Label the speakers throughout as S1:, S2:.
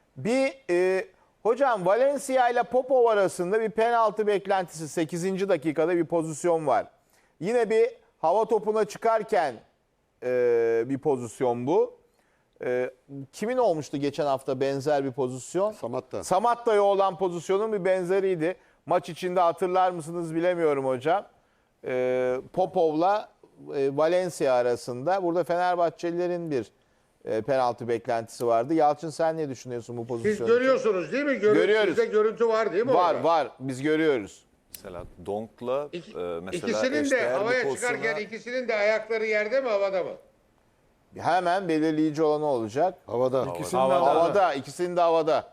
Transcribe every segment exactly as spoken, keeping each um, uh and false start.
S1: Bir e, hocam Valencia ile Popov arasında bir penaltı beklentisi sekizinci dakikada bir pozisyon var. Yine bir hava topuna çıkarken e, bir pozisyon bu. E, kimin olmuştu geçen hafta benzer bir pozisyon?
S2: Samatta.
S1: Samatta'ya olan pozisyonun bir benzeriydi. Maç içinde hatırlar mısınız bilemiyorum hocam. E, Popov'la e, Valencia arasında. Burada Fenerbahçelilerin bir e, penaltı beklentisi vardı. Yalçın sen ne düşünüyorsun bu pozisyonu?
S3: Siz görüyorsunuz değil mi? Görü
S1: Görüyoruz.
S3: Sizde görüntü var değil mi?
S1: Var
S3: orada?
S1: var biz görüyoruz.
S4: Mesela Donk'la
S3: İki-
S4: e, mesela
S3: İkisinin de
S4: eşdeğer bir
S3: havaya
S4: pozisyona-
S3: çıkarken ikisinin de ayakları yerde mi havada mı?
S1: Hemen belirleyici olanı olacak.
S2: Havada.
S5: İkisinin
S1: Havada.
S5: havada.
S1: havada. İkisinin de havada.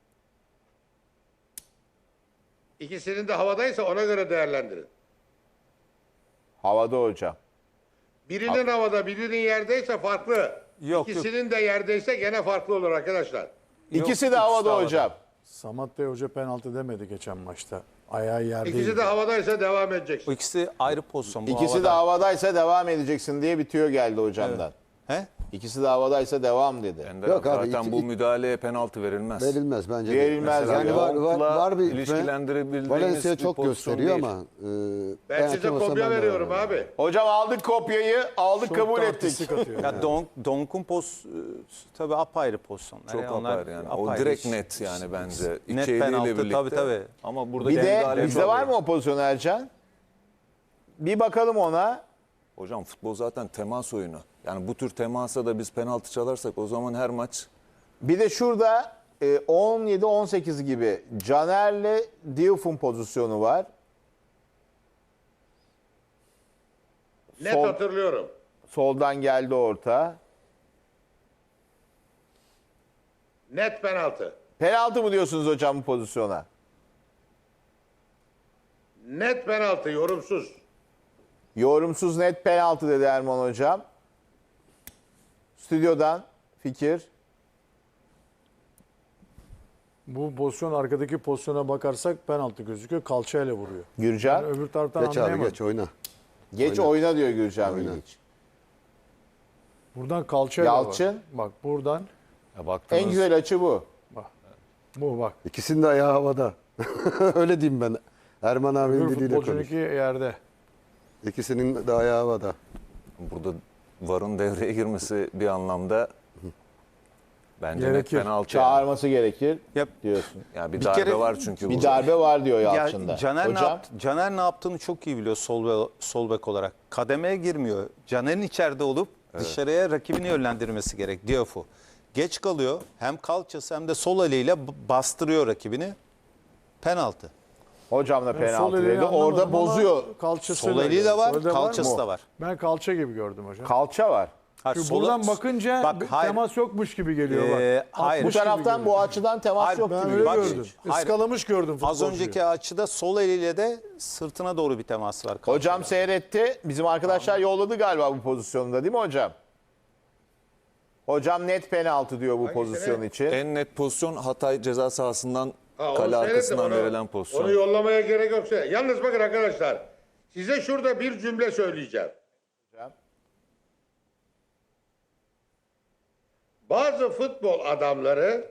S3: İkisinin de havadaysa ona göre değerlendirin.
S1: Havada hocam.
S3: Birinin havada birinin yerdeyse farklı.
S5: Yok,
S3: İkisinin de yerdeyse gene farklı olur arkadaşlar.
S1: İkisi de havada hocam.
S5: Samatta Hoca penaltı demedi geçen maçta. Ayağı yerdeydi.
S3: İkisi de havadaysa devam edeceksin.
S6: Bu ikisi ayrı pozisyon. Bu
S1: İkisi de
S6: havada.
S1: havadaysa devam edeceksin diye bitiyor geldi hocamdan.
S6: He?
S1: İkisi de havadaysa devam dedi.
S4: Ender
S2: Yok
S4: abi,
S2: abi,
S4: zaten
S2: iki-
S4: bu
S2: iki-
S4: müdahaleye penaltı verilmez.
S2: Verilmez bence. de.
S1: Verilmez
S4: Mesela
S1: yani
S2: Yani var, var,
S4: Donk'la
S2: var bir
S4: ilişkilendirebildiğimiz
S2: Valencia
S4: bir
S2: çok
S4: pozisyon
S2: gösteriyor
S4: değil.
S2: ama e,
S3: Ben
S2: ben
S3: size
S2: hakem olsam
S3: kopya
S2: ben de
S3: veriyorum
S2: vermem.
S3: abi.
S1: Hocam aldık kopyayı, aldık
S5: Çok
S1: kabul
S5: da
S1: ettik.
S5: artistik atıyor.
S6: Ya Donk, Donk'un poz tabii apayrı pozisyonlar.
S4: Çok
S6: Yani onlar
S4: apayrı yani. O
S6: apayrı.
S4: direkt net yani bence. İki
S6: Net
S4: eliyle
S6: penaltı,
S4: birlikte.
S6: tabii, tabii.
S4: Ama burada
S1: Bir de
S4: müdahale
S1: bizde
S4: çok-
S1: var mı o pozisyon Ercan? Bir bakalım ona.
S4: Hocam futbol zaten temas oyunu. Yani bu tür temasa da biz penaltı çalarsak o zaman her maç
S1: Bir de şurada e, on yedi on sekiz gibi Caner'le Diouf'un pozisyonu var.
S3: Net
S1: Sol-
S3: hatırlıyorum.
S1: Soldan geldi orta.
S3: Net penaltı.
S1: Penaltı mı diyorsunuz hocam bu pozisyona?
S3: Net penaltı yorumsuz.
S1: Yorumsuz net penaltı dedi Erman hocam. Stüdyodan fikir.
S5: Bu pozisyon arkadaki pozisyona bakarsak penaltı gözüküyor. Kalçayla vuruyor.
S1: Gürcan.
S5: Yani öbür taraftan
S2: Geç abi
S5: anlayamadım.
S2: geç oyna.
S1: Geç
S2: Oyna.
S1: oyna diyor Gürcan
S2: Oyna.
S1: Bilgiç.
S5: Buradan kalçayla
S1: Yalçın.
S5: var. Bak buradan
S4: ya baktınız.
S1: En güzel açı bu.
S5: bu bak.
S2: İkisinin de ayağı havada. Öyle diyeyim ben. Erman abinin
S5: Öbür
S2: diliyle konuş.
S5: futbolcununki yerde.
S2: İkisinin de ayağı havada.
S4: Burada varın devreye girmesi bir anlamda bence
S5: Gerekir.
S4: net penaltı. yani.
S1: Çağırması gerekir
S6: Yap.
S1: diyorsun.
S4: Ya bir,
S6: Bir
S4: darbe
S6: kere-
S4: var çünkü
S1: Bir
S4: burada.
S1: darbe var diyor
S6: Ya
S1: Yalçın'da.
S6: Caner, ne
S1: Hocam
S6: yaptı, Caner ne yaptığını çok iyi biliyor sol, be, sol bek olarak. Kademeye girmiyor. Caner'in içeride olup dışarıya rakibini yönlendirmesi gerek. Diouf'u. Geç kalıyor. Hem kalçası hem de sol eliyle b- bastırıyor rakibini. Penaltı.
S1: hocam da
S5: Ben
S1: penaltı
S5: sol eliyle
S1: dedi.
S5: anlamadım
S1: Orada
S5: ama
S1: bozuyor.
S5: Kalçası
S6: Sol eliği de var, kalçası
S1: mı?
S6: da var.
S5: Ben kalça gibi gördüm hocam.
S1: Kalça var.
S6: Ha,
S5: Çünkü
S6: sola-
S5: buradan bakınca
S6: Bak,
S5: bir
S6: hayır.
S5: temas yokmuş gibi geliyor
S6: Ee,
S5: bak.
S6: hayır.
S1: Bu
S5: Atmış gibi
S1: taraftan
S5: geliyor.
S1: bu açıdan temas
S6: Hayır,
S1: yok
S5: Ben
S1: gibi.
S5: öyle
S6: Bak,
S5: gördüm.
S6: hayır.
S5: Iskalamış gördüm
S6: Az
S5: futbolcuyu.
S6: önceki açıda sol eliyle de sırtına doğru bir temas var.
S1: Hocam seyretti. Bizim arkadaşlar yolladı galiba bu pozisyonda değil mi hocam? Hocam net penaltı diyor bu pozisyon için.
S4: En net pozisyon Hatay ceza sahasından
S3: Ha, onu
S4: kale
S3: seyrettim,
S4: arkasından
S3: onu-
S4: verilen pozisyon.
S3: Onu yollamaya gerek yok. Yalnız bakın arkadaşlar. Size şurada bir cümle söyleyeceğim. Bazı futbol adamları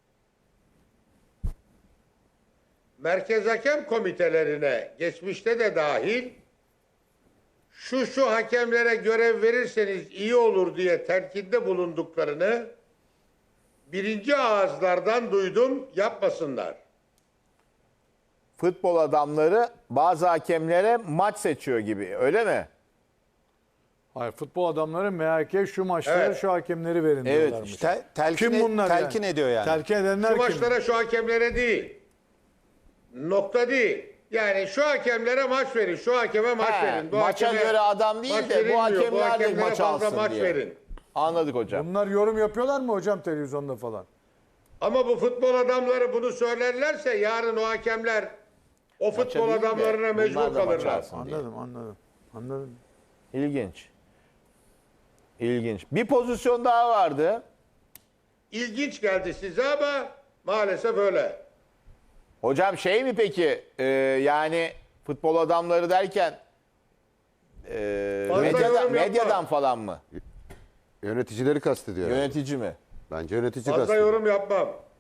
S3: merkez hakem komitelerine geçmişte de dahil şu şu hakemlere görev verirseniz iyi olur diye telkinde bulunduklarını birinci ağızlardan duydum, yapmasınlar.
S1: Futbol adamları bazı hakemlere maç seçiyor gibi öyle mi?
S5: Hayır, futbol adamları M H K şu maçlara
S3: Evet.
S5: şu hakemleri verin
S1: Evet,
S5: diyorlarmış.
S6: Te- telkin,
S5: Kim bunlar
S6: telkin
S5: yani?
S6: ediyor yani.
S5: Telkin edenler
S3: Şu
S5: kim?
S3: maçlara şu hakemlere değil. Nokta değil. Yani şu hakemlere maç verin, şu hakeme maç
S1: He,
S3: verin. Bu
S1: maça
S3: hakeme
S1: göre adam değil
S3: maç
S1: de bu
S3: verilmiyor.
S1: hakemler de
S3: hakemlere
S1: maç
S3: fazla
S1: alsın
S3: maç
S1: diye.
S3: verin.
S1: Anladık hocam.
S5: Bunlar yorum yapıyorlar mı hocam televizyonda falan?
S3: Ama bu futbol adamları bunu söylerlerse yarın o hakemler o futbol
S1: değil de
S3: adamlarına
S1: bunlar
S3: mecbur
S1: da maç
S3: kalırlar.
S1: alsın diye.
S5: Anladım, anladım. Anladım.
S1: İlginç. İlginç. Bir pozisyon daha vardı.
S3: İlginç geldi size ama maalesef öyle.
S1: Hocam şey mi peki e, yani futbol adamları derken e,
S3: Fazla
S1: medyadan,
S3: yorum yapma.
S1: medyadan falan mı?
S2: Yöneticileri kastediyor. yani.
S1: Yönetici mi?
S2: Bence yönetici
S3: Fazla
S2: kastediyor.
S3: yorum yapmam.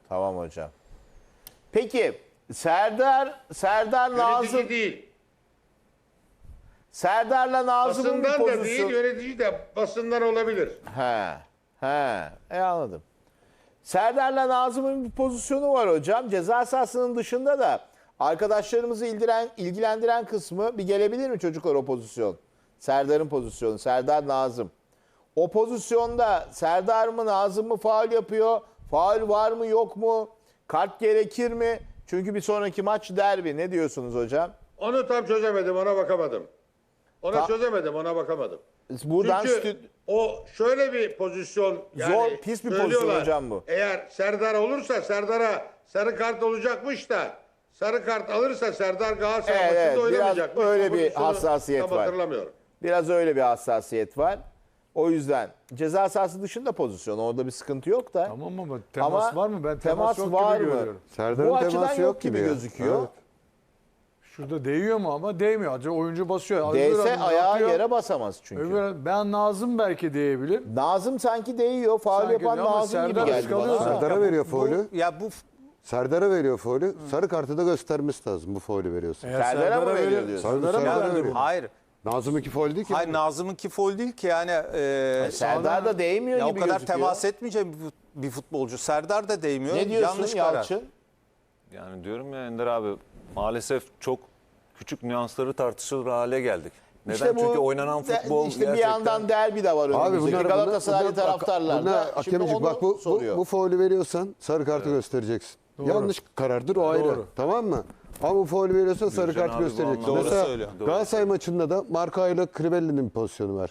S1: Tamam hocam. Peki Serdar Serdar
S3: Yönetici
S1: Nazım
S3: değil.
S1: Serdar'la Nazım'ın bir
S3: Basından da değil,
S1: pozisyon.
S3: yönetici de basından olabilir.
S1: He. He. E anladım. Serdar'la Nazım'ın bir pozisyonu var hocam. Ceza sahasının dışında da arkadaşlarımızı ilgilen, ilgilendiren kısmı bir gelebilir mi çocuklar o pozisyon? Serdar'ın pozisyonu. Serdar Nazım. O pozisyonda Serdar mı Nazım mı faul yapıyor? Faul var mı yok mu? Kart gerekir mi? Çünkü bir sonraki maç derbi. Ne diyorsunuz hocam?
S3: Onu tam çözemedim, ona bakamadım. Ona
S1: Ta-
S3: çözemedim, ona bakamadım.
S1: Buradan
S3: Çünkü
S1: stü-
S3: o şöyle bir pozisyon yani
S1: Zor, pis bir pozisyon
S3: söylüyorlar.
S1: hocam bu.
S3: Eğer Serdar olursa Serdar'a sarı kart olacakmış da sarı kart alırsa Serdar Galatasaray
S1: Evet,
S3: maçında
S1: evet, biraz
S3: oynamayacakmış.
S1: öyle
S3: O
S1: bir
S3: pozisyonu
S1: hassasiyet
S3: tam
S1: var.
S3: hatırlamıyorum.
S1: Biraz öyle bir hassasiyet var. O yüzden ceza sahası dışında pozisyon. Orada bir sıkıntı yok da.
S5: Tamam ama temas
S1: Ama
S5: var mı? Ben temas,
S1: temas
S5: yok
S1: var
S5: gibi
S1: mı?
S5: görüyorum.
S2: Serdar'ın
S1: Bu açıdan
S2: teması
S1: yok gibi
S2: ya.
S1: gözüküyor.
S2: Evet.
S5: Şurada değiyor mu ama değmiyor. Acaba oyuncu basıyor. Öbür
S1: Değse
S5: adımda
S1: ayağı
S5: atıyor.
S1: yere basamaz çünkü.
S5: Öbür, ben Nazım belki değebilir.
S1: Nazım sanki değiyor. Faul
S5: Sanki
S1: yapan
S5: ama
S1: Nazım gibi
S5: Serdar
S1: geldi
S5: ıskalıyor
S1: bana.
S5: zaten.
S1: ama.
S2: Serdar'a veriyor faulü.
S6: Bu, ya bu
S2: Serdar'a veriyor faulü. Sarı kartı da göstermesi lazım bu faulü veriyorsun.
S5: Eğer
S1: Serdar'a mı veriyor
S5: verir-
S1: diyorsun?
S2: Tabii,
S5: Serdar'a mı
S2: Serdar'a
S5: verdi
S2: veriyor.
S5: bunu?
S6: hayır.
S2: Nazım iki faul değil ki.
S6: Hayır Nazım'ınki foul değil ki yani. e,
S1: Serdar da değmiyor
S6: ya o
S1: gibi
S6: kadar
S1: gözüküyor.
S6: temas etmeyecek bir fut- bir futbolcu. Serdar da değmiyor.
S1: Ne diyorsun
S6: Yanlış karar.
S1: Yalçın?
S4: Yani diyorum ya Ender abi maalesef çok küçük nüansları tartışılır hale geldik. Neden?
S1: İşte bu-
S4: Çünkü oynanan
S1: de-
S4: futbol
S1: işte
S4: gerçekten...
S1: bir yandan derbi de var
S2: Abi
S1: önümüzdeki.
S2: bunlar
S1: Galatasaraylı
S2: bunlar-
S1: taraftarlar
S2: bunlar
S1: da şimdi
S2: hakemcik
S1: onu
S2: bak bu, bu,
S1: soruyor.
S2: bu faulü veriyorsan sarı kartı göstereceksin. Yanlış karardır o ayrı.
S5: Doğru.
S2: Tamam mı? Ama bu faulü veriyorsan sarı
S4: Gülcan
S2: kart
S4: abi bu
S2: göstereceksin.
S4: anlamda-
S2: Mesela
S6: Doğru söylüyor.
S4: Doğru
S2: Galatasaray maçında da Marka ile Crivelli'nin bir pozisyonu var.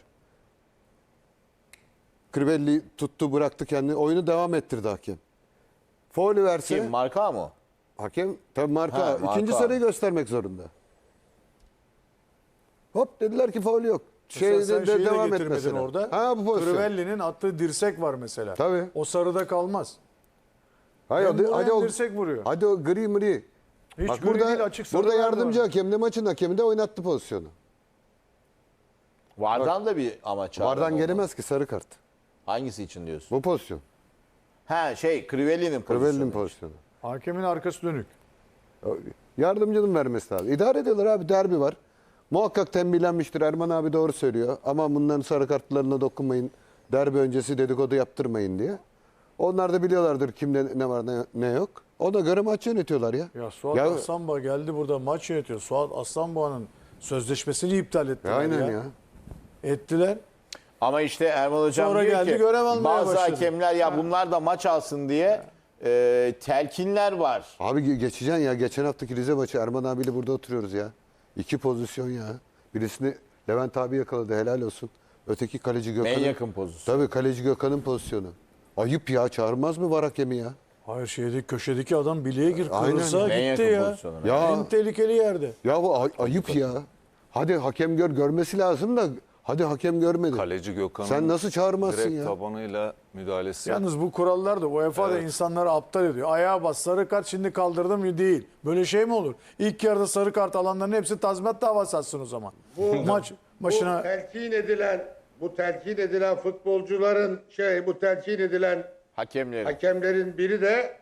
S2: Crivelli tuttu bıraktı kendini. Oyunu devam ettirdi hakem. Faulü verse
S1: Kim? Marka mı?
S2: hakem tabii Marka
S1: Ha, Marka.
S2: ikinci sarıyı göstermek zorunda. Hop dediler ki faul yok.
S5: Mesela sen
S2: Şeyde de
S5: şeyi de
S2: devam et
S5: getirmedin
S2: mesela.
S5: orada.
S2: Ha bu pozisyon.
S5: Crivelli'nin attığı dirsek var mesela.
S2: Tabii.
S5: O sarıda kalmaz.
S2: Hayır,
S5: Hem
S2: hadi,
S5: vur
S2: hadi,
S5: hem
S2: o,
S5: dirsek vuruyor.
S2: hadi o gri mri.
S5: Hiç
S2: Bak
S5: gri
S2: burada,
S5: değil, açık sarı
S2: burada
S5: verdi
S2: yardımcı
S5: ona.
S2: hakem de maçın hakemi de oynattı pozisyonu.
S1: Vardan da bir amaç var.
S2: Vardan
S1: ama.
S2: gelemez ki sarı kart.
S1: Hangisi için diyorsun?
S2: Bu pozisyon.
S1: Ha şey Crivelli'nin pozisyonu.
S2: Crivelli'nin pozisyonu.
S5: Hakemin arkası dönük.
S2: Yardımcının vermesi lazım. İdare ediyorlar abi, derbi var. Muhakkak tembihlenmiştir. Erman abi doğru söylüyor. Ama bunların sarı kartlarına dokunmayın. Derbi öncesi dedikodu yaptırmayın diye. Onlar da biliyorlardır kimde ne var ne, ne yok. Ona göre maç yönetiyorlar ya.
S5: Ya Suat
S2: Ya-
S5: Aslanbağ geldi burada maç yönetiyor. Suat Aslanbağ'ın sözleşmesini iptal ettiler
S2: Aynen
S5: ya.
S2: ya.
S5: Ettiler.
S1: Ama işte Erman Hocam
S5: Sonra
S1: diyor
S5: geldi,
S1: ki
S5: görev almaya
S1: bazı
S5: başladı.
S1: hakemler ya bunlar da maç alsın diye e, telkinler var.
S2: Abi ge- geçeceksin ya. Geçen haftaki Rize maçı Erman abiyle burada oturuyoruz ya. İki pozisyon ya. Birisini Levent abi yakaladı, helal olsun. Öteki kaleci Gökhan'ın.
S1: En yakın pozisyon.
S2: Tabii kaleci Gökhan'ın pozisyonu. Ayıp ya, çağırmaz mı var hakemi ya?
S5: Hayır şeyde köşedeki adam bileğe gir
S2: Aynen.
S5: kırılsa
S1: En
S5: gitti
S1: yakın
S5: ya.
S1: pozisyonu.
S2: Ya
S5: En tehlikeli yerde.
S2: ya bu ay- ayıp ya. Hadi hakem gör görmesi lazım da hadi hakem görmedi.
S4: Kaleci Gökhan'ın
S2: Sen nasıl çağırmazsın
S4: direkt
S2: ya?
S4: tabanıyla müdahalesi.
S5: Yalnız bu kurallar da U E F A da insanları aptal ediyor. Ayağa bas sarı kart şimdi kaldırdım ya değil. Böyle şey mi olur? İlk yarıda sarı kart alanların hepsi tazminat davası açsın o zaman. Maç başına
S3: Bu telkin edilen bu telkin edilen futbolcuların şey bu telkin edilen
S1: Hakemleri.
S3: hakemlerin biri de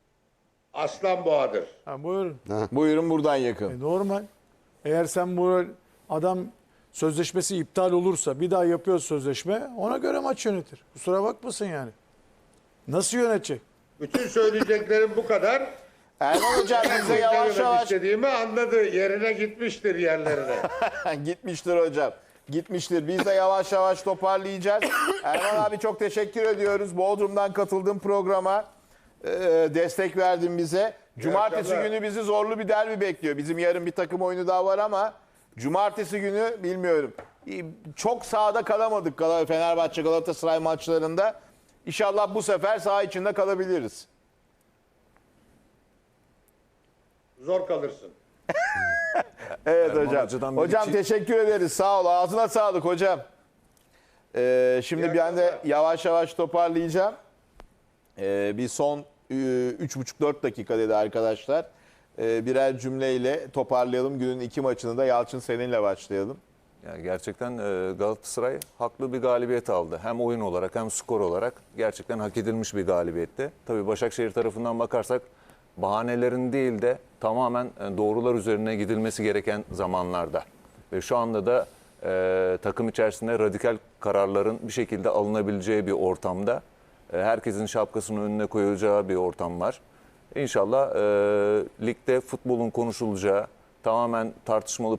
S3: Aslan Boğa'dır.
S5: ha, buyurun.
S1: Buyurun buradan yakın.
S5: E, normal. Eğer sen bu adam sözleşmesi iptal olursa bir daha yapıyor sözleşme ona göre maç yönetir. Kusura bakmasın yani. Nasıl yönetecek?
S3: Bütün söyleyeceklerim bu kadar.
S1: Erman Hocam bize
S3: Ne
S1: yavaş
S3: demek
S1: yavaş
S3: istediğimi anladı. Yerine gitmiştir yerlerine.
S1: gitmiştir hocam. Gitmiştir. Biz de yavaş yavaş toparlayacağız. Erman abi çok teşekkür ediyoruz. Bodrum'dan katıldığın programa. Ee, destek verdin bize. Cumartesi
S3: akşamlar.
S1: günü bizi zorlu bir derbi bekliyor. Bizim yarın bir takım oyunu daha var ama cumartesi günü bilmiyorum. Çok sahada kalamadık Gal- Fenerbahçe Galatasaray maçlarında. İnşallah bu sefer saha içinde kalabiliriz.
S3: Zor kalırsın.
S1: Evet
S4: Erman
S1: hocam.
S4: Hoca'dan bir
S1: Hocam
S4: iki-
S1: teşekkür ederiz. Sağ ol. Ağzına sağlık hocam. Ee, şimdi
S3: İyi
S1: ben de
S3: akşamlar.
S1: yavaş yavaş toparlayacağım. Ee, bir son üç buçuk dört dakika dedi arkadaşlar. Ee, birer cümleyle toparlayalım. Günün iki maçını da Yalçın seninle başlayalım.
S4: Ya gerçekten e, Galatasaray haklı bir galibiyet aldı. Hem oyun olarak hem skor olarak gerçekten hak edilmiş bir galibiyetti. Tabii Başakşehir tarafından bakarsak bahanelerin değil de tamamen e, doğrular üzerine gidilmesi gereken zamanlarda. Ve şu anda da e, takım içerisinde radikal kararların bir şekilde alınabileceği bir ortamda e, herkesin şapkasını önüne koyacağı bir ortam var. İnşallah e, ligde futbolun konuşulacağı, tamamen tartışmalı